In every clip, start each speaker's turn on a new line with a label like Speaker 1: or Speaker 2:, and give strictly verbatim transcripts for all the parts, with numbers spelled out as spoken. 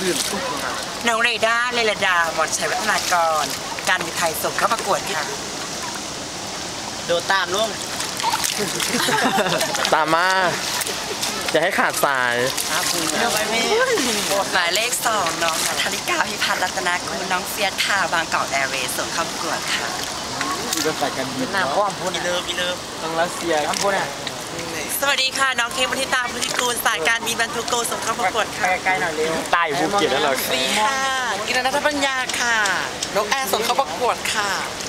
Speaker 1: พื้น
Speaker 2: น้องเรด้าเลลดามอนชัยวัฒนากรการบินไทยส่งเข้าประกวดค่ะโดตามลุง
Speaker 3: ตามมาอย่าให้ขาดสาย
Speaker 2: หมายเลขสองน้องธนิกาพิพัฒน์รัตนากุลน้องเฟียสค่ะบางกอกแอร์เวย์ส่งเข้าประกวดค่ะ
Speaker 1: มีรถไฟกันบินนะพ่อมพูน
Speaker 2: เลิฟเลิฟ
Speaker 1: ทางรัสเซียครับพูนอ่ะ
Speaker 2: สวัสดีค่ะน้องเคมพิตาพุทธิกูลสายการบินบรรทุกโกส่งเข้าประกวดค่ะ
Speaker 1: ใกล้ๆหน่อยเร็วใต้ภูเก็ตแล้วเหรอ
Speaker 2: ดีค่ะกินนัทปัญญาค่ะนกแอร์ส่งเข้าประกวดค่ะ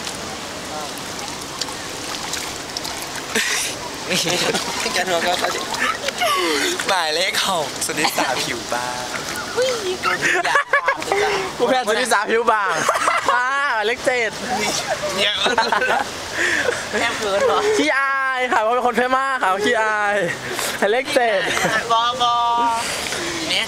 Speaker 1: กันหัวก็หมายเลขหกสุนิสาผิวบางกูแพ้สุนิสาผิวบางอ่าเลขเจ็ดเยอะ
Speaker 2: แค่เพื่อนเหรอ
Speaker 3: ขี้อายค่ะเพราะเป็นคนเท่มากค่ะขี้อายเลขเจ็ด
Speaker 2: บอบอเนี่ย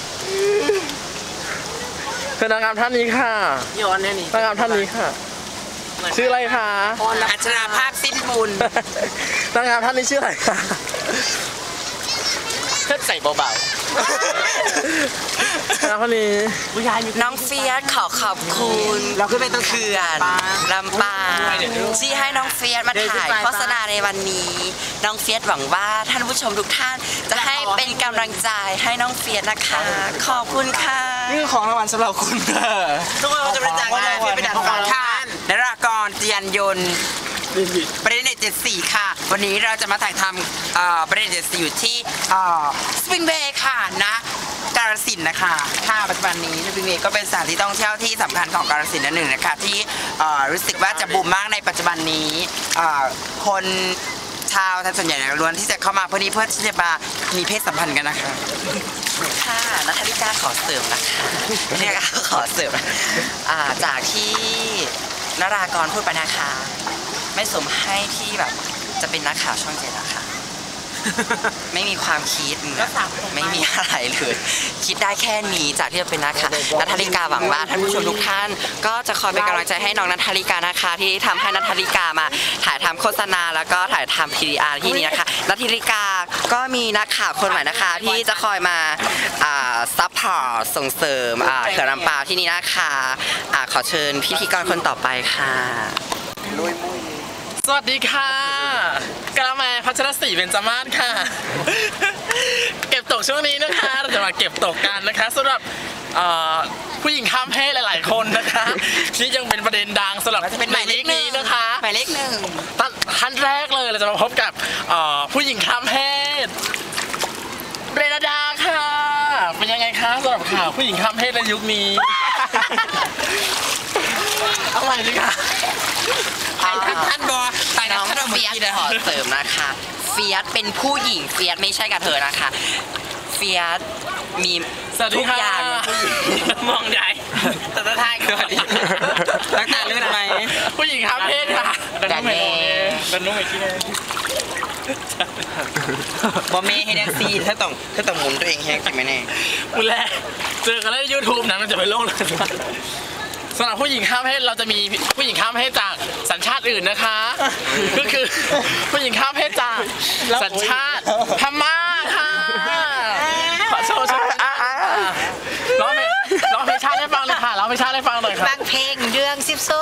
Speaker 3: คือนางงามท่านนี้ค่ะ
Speaker 2: โยนเนี่ยนี่
Speaker 3: นางงามท่านนี้ค่ะชื่ออะไรคะ
Speaker 2: อัชราภาคสิ้นบุญ
Speaker 3: นางงามท่านนี้ชื่ออะไรคะ
Speaker 1: เพิ่มใส่เบา
Speaker 3: ๆนางคนนี้
Speaker 2: น้องเฟียสขอขอบคุณเราขึ้นไปต้นเขื่อนลำปางที่ให้น้องเฟียสมาถ่ายโฆษณาในวันนี้น้องเฟียสหวังว่าท่านผู้ชมทุกท่านจะให้เป็นกำลังใจให้น้องเฟียสนะคะขอบคุณค่ะ
Speaker 1: นี่คือของรางวัลสำหรับคุณค่ะ
Speaker 2: ทุกคนจะบริจาคงานเพื่อเป็นการฟังท่านนรากรเจียนยนต์ประเด็นเจ็ดสี่ค่ะวันนี้เราจะมาถ่ายทำประเด็นเจ็ดสี่อยู่ที่สปริงเบย์ค่ะนะกาฬสินธุ์นะคะค่ะปัจจุบันนี้สปริงเบย์ก็เป็นสถานที่ท่องเที่ยวที่สำคัญของกาฬสินธุ์นั่นหนึ่งนะคะที่รู้สึกว่าจะบูมมากในปัจจุบันนี้คนชาวไทยส่วนใหญ่ล้วนที่จะเข้ามาเพื่อนี้เพื่อที่จะมามีเพศสัมพันธ์กันนะคะค่ะนัทลิกาขอเสริมนะคะนี่ก็ขอเสริมจากที่นรากรพูดไปนะคะไม่สมให้ที่แบบจะเป็นนักข่าวช่องเจ็ดอะค่ะไม่มีความคิดไม่มีอะไรเลยคิดได้แค่นี้จากที่จะเป็นนักข่าวนัทลิกาหวังว่าท่านผู้ชมทุกท่านก็จะคอยเป็นกำลังใจให้น้องนัทลิกานะคะที่ทำให้นัทลิกามาถ่ายทำโฆษณาแล้วก็ถ่ายทำ พี ดี อาร์ ที่นี่นะคะนัทลิกาก็มีนักข่าวคนใหม่นะคะที่จะคอยมาซัพพอร์ตส่งเสริมเขื่อนลำปาวที่นี่นะคะขอเชิญพิธีกรคนต่อไปค่ะ
Speaker 3: สวัสดีค่ะกระแมพัชรศรีเบญจมาศค่ะเก็บตกช่วงนี้นะคะเราจะมาเก็บตกกันนะคะสำหรับผู้หญิงข้ามเพศหลายๆคนนะคะที่ยังเป็นประเด็นดังสำหรับหมายเลขนี้นะคะ
Speaker 2: หมายเลขหนึ่ง
Speaker 3: ท่านแรกเลยเราจะมาพบกับผู้หญิงข้ามเพศเรนดาค่ะเป็นยังไงคะสำหรับข่าวผู้หญิงข้ามเพศในยุคนี้เอาใหม่ดิค่ะ
Speaker 2: ท่านบอสน้องเฟียสขอเสริมนะคะเฟียสเป็นผู้หญิงเฟียสไม่ใช่กับเธอนะคะเฟียสมีทุกอย่าง
Speaker 3: มองใหญ่
Speaker 2: แต่ถ้าทายก็ดีรักตาเลือดไหม
Speaker 3: ผู้หญิงข้ามเพศค่ะ
Speaker 2: ดันเน่
Speaker 3: ดันนุ่มอีกทีนึง
Speaker 2: บอเม่ให้แท็กซี่ถ้าต้องถ้าต้องหมุนตัวเองแฮกจริงไหมแน่
Speaker 3: มุนแรกเจอกันแล้วยูทูบนะมันจะไปโลกเลยสำหรับผู้หญิงข้ามเพศเราจะมีผู้หญิงข้ามเพศจากสัญชาติอื่นนะคะก็คือผู้หญิงข้ามเพศจากสัญชาติพม่าค่ะขอโชว์โชว์ร้องเพลงร้องเพลงชาติให้ฟังเลยค่ะร้องเพลงชาติให้ฟังหน่อยค่ะ
Speaker 2: ฟังเพลงเรื่องซิบโซ่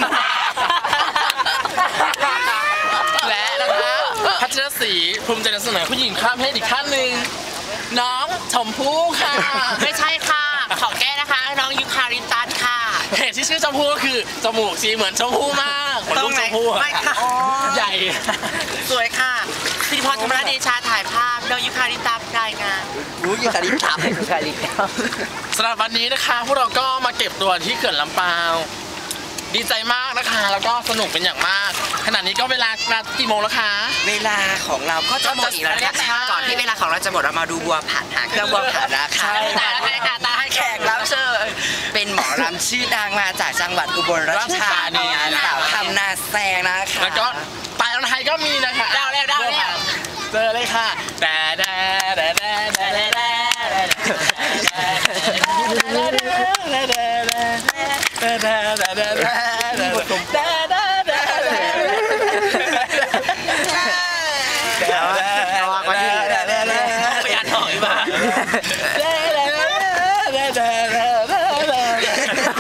Speaker 3: และนะคะพัชรศรีภูมิใจนำเสนอผู้หญิงข้ามเพศอีกท่านหนึ่งน้องชมพู่ค่ะ
Speaker 2: ไม่ใช่ค่ะขอแก้นะคะน้องยูคาริตัสค่ะ
Speaker 3: เหตุที่ชื่อชมพู่ก็คือจมูกสีเหมือนชมพู่มากเหมือนลูกชมพู่ใหญ่
Speaker 2: สวยค่ะสิริพรธรรมราชเดชาถ่ายภาพน้องยูคาริตัสรายงานรู้ยูคาริตัสยูคาริตัส
Speaker 3: สำหรับวันนี้นะคะพวกเราก็มาเก็บตัวที่เขื่อนลำปาวดีใจมากนะคะแล้วก็สนุกเป็นอย่างมากขณะนี้ก็เวลากี่โมงแล้วคะ
Speaker 2: เวลาของเราก็จะหมดอีกแล้วนะคะก่อนที่เวลาของเราจะหมดเรามาดูบัวผัดหาเครื่องบัวผัดนะคะตาให้ค่ะตาให้แขกรับเชิญเป็นหมอรำชื่อดังมาจากจังหวัดอุบลราชธานีสาวทำนาแซงนะคะ
Speaker 3: แล้วก็ปลายไทยก็มีนะคะ
Speaker 2: ดาวแล้วดาวแล้ว
Speaker 3: เจอเลยค่ะแต่แต่แต่แต่แต่แต่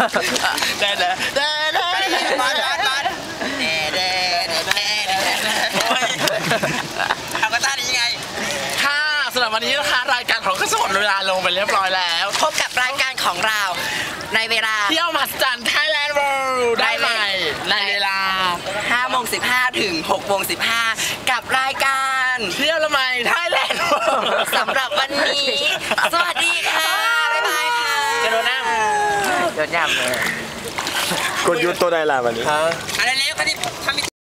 Speaker 3: เด้เด้เด้เด้
Speaker 2: บ้านบ้านบ้านเด้เด้เด้เด้เด้เอาก็ท่านี้ไง
Speaker 3: ค่ะสำหรับวันนี้นะคะรายการของก็จะหมดเวลาลงไปเรียบร้อยแล้ว
Speaker 2: พบกับรายการของเราในเวลา
Speaker 3: เที่ยวมหัศจรรย์ไทยแลนด์เวิลด์ได้ใหม่ในเวลา
Speaker 2: ห้าโมงสิบห้าถึงหกโมงสิบห้ากับรายการ
Speaker 3: เที่ยวละไมไทยแลนด์เวิลด์
Speaker 2: สำหรับวันนี้ สวัสดีค่ะ บ๊ายบายค่ะ
Speaker 3: จะโดนน้ำโดนย่ำเลย
Speaker 1: กดยุดตัวใดล่ะวันนี้
Speaker 2: อะไรเร็วคันนี้ทำ